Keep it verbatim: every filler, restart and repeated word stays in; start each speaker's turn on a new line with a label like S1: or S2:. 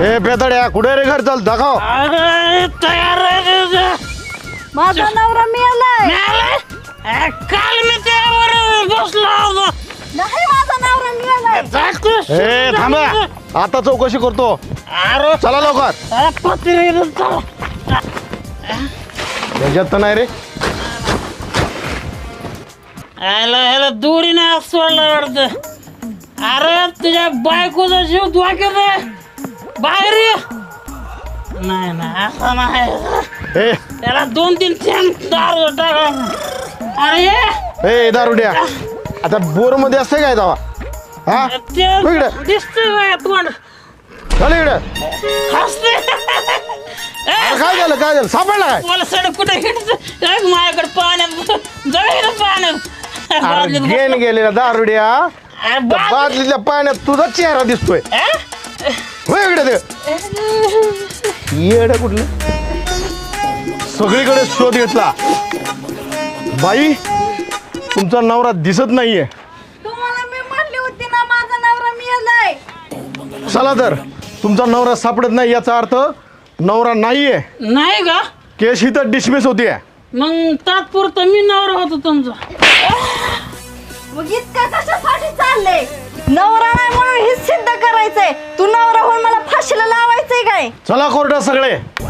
S1: ए बेदड्या कुठे रे घर चल दाखव.
S2: अरे तयार आहे.
S3: माझा नवरा मिळालाय.
S2: मिळालाय? काल मी त्यावर बसलो होतो.
S3: नाही माझा नवरा मिळालाय.
S1: ए थांबा आता चौकशी करतो.
S2: अरे
S1: चला लवकर.
S2: अरे पत्रे चला.
S1: त्याच्यात तर नाही रे.
S2: ह्याला ह्याला दोरीने सोडलं वाटतं. अरे तुझ्या बायकोचा जीव धोक्यात आहे. बाहेर ये. नाही नाही असं नाही.
S1: ए
S2: त्याला दोन तीन थेंब दारू टाका. अरे ये.
S1: ए दारुड्या आता बोर मध्ये असते काय जावा. हा
S2: ते
S1: हो इकडे.
S2: दिसतंय बघा तोंड.
S1: चल इकडे.
S2: हसते.
S1: अरे काय झालं काय झालं सापडला काय.
S2: मला सडक कुठे हिंडत माझ्याकडे पाण्यात जाईल पाण्यात.
S1: अरे गेन गेलेला दारुड्या. बादलीतल्या पाण्यात तुझा चेहरा दिसतोय. हो इकडे ते येड कुठलं. सगळीकडे शोध घेतला. बाई तुमचा नवरा दिसत नाहीये.
S3: तुम्हाला मी म्हणली होती ना माझा नवरा मिळालाय.
S1: चला तर तुमचा नवरा सापडत नाही याचा अर्थ नवरा नाहीये.
S2: नाही का
S1: केस ही तर डिसमिस होतीये.
S2: मग तात्पुरतं मी नवरा होतो तुमचा.
S3: मग इतका कशासाठी चाललंय. नवरा नाही म्हणून हे सिद्ध करायचंय. तू नवरा होऊन मला फाशीला लावायचंय काय.
S1: चला कोर्टात सगळे.